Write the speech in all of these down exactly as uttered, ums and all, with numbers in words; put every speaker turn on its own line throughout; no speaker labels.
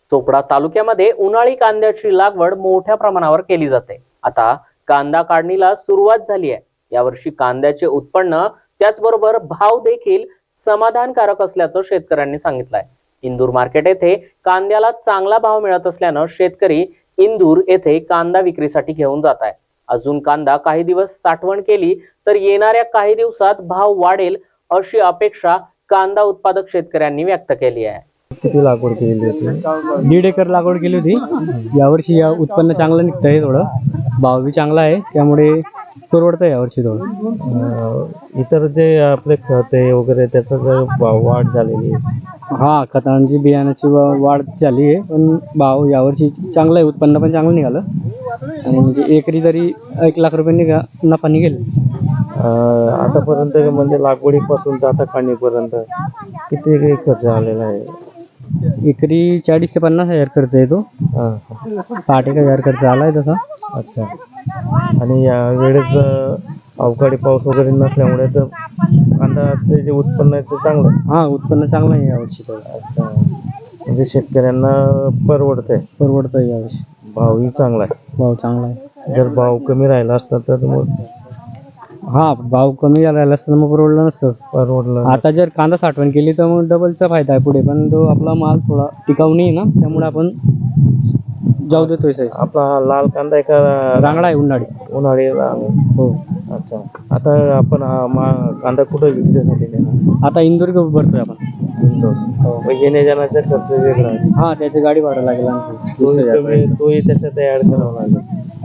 चोपडा तालुक्यामध्ये उन्हाळी कांद्याची लागवड मोठ्या प्रमाणावर केली जाते। आता कांदा काढणीला सुरुवात झाली आहे। यावर्षी कांद्याचे उत्पन्न त्याचबरोबर भाव देखील समाधानकारक असल्याचं शेतकऱ्यांनी सांगितलंय। इंदूर मार्केट येथे कांद्याला चांगला भाव मिळत असल्यानं शेतकरी इंदूर येथे कांदा विक्रीसाठी घेऊन जात आहे। अजून कांदा काही दिवस साठवण केली तर येणाऱ्या काही दिवसात भाव वाढेल अशी अपेक्षा कांदा उत्पादक शेतकऱ्यांनी व्यक्त केली आहे।
किती लागवड केली होती? दीड एकर लागवड केली होती। यावर्षी या उत्पन्न चांगलं निघतंय, थोडं भाव बी चांगला आहे, त्यामुळे परवडतंय यावर्षी थोडं।
इतर जे आपले खत आहे वगैरे त्याचा जर भाव वाढ झालेली आहे।
हा, खतांची बियाण्याची वाढ झाली आहे, पण भाव यावर्षी चांगलं आहे, उत्पन्न पण चांगलं निघालं आणि म्हणजे एकरी तरी एक लाख रुपये निघा नफा निघेल।
आतापर्यंत म्हणजे लागवडीपासून तर आता काढणीपर्यंत किती खर्च आलेला आहे?
एकरी चाळीस ते पन्नास हजार खर्च येतो। साठ एक हजार खर्च आलाय तसा।
अच्छा। आणि या वेळेस अवकाळी पाऊस वगैरे नसल्यामुळे तर कांद्याचे जे उत्पन्न आहे ते चांगलं आहे।
हा, उत्पन्न चांगलं आहे यावर्षी तर।
अच्छा, म्हणजे शेतकऱ्यांना परवडतंय
परवडतंय यावर्षी।
भावही चांगला आहे।
भाव चांगला आहे।
जर भाव कमी राहिला असता तर मग
हा, भाव कमी राहिला असता मग परवडलं नसतं।
परवडलं।
आता जर कांदा साठवण केली तर मग डबलचा फायदा आहे पुढे, पण तो आपला माल थोडा टिकाऊ नाही ना, त्यामुळे आपण जाऊ देतोय साईज।
आपला हा लाल कांदा आहे का
रांगडा आहे, उन्हाळी
उन्हाळी रांग?
हो।
अच्छा, आता आपण हा मा कांदा कुठं विक्रीसाठी नेणार?
आता इंदूर घेऊन भरतोय आपण।
इंदोर। मग येण्या जाण्याचा खर्च वेगळा आहे?
हा, त्याची गाडी भाडं लागेल आणखी
तोही
वीस हजार
कमी- तोही त्याच्यात ऍड करावा लागेल,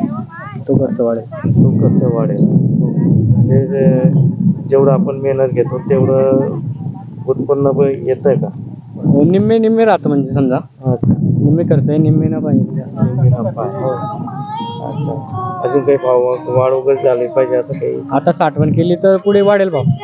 तो खर्च वाढेल।
तो खर्च वाढेल। म्हणजे जे- जेवढं आपण मेहनत घेतो तेवढं उत्पन्न पण येतंय का?
हो, निम्मे निम्मे राहतं, म्हणजे समजा
अच्छा,
निम्मे खर्च आहे, निम्मे नफा आहे।
निम्मी नफा आहे। अच्छा, अजून काही भाव वाढ वगैरे झाली पाहिजे असं काही?
आता साठवण केली तर पुढे वाढेल भाव।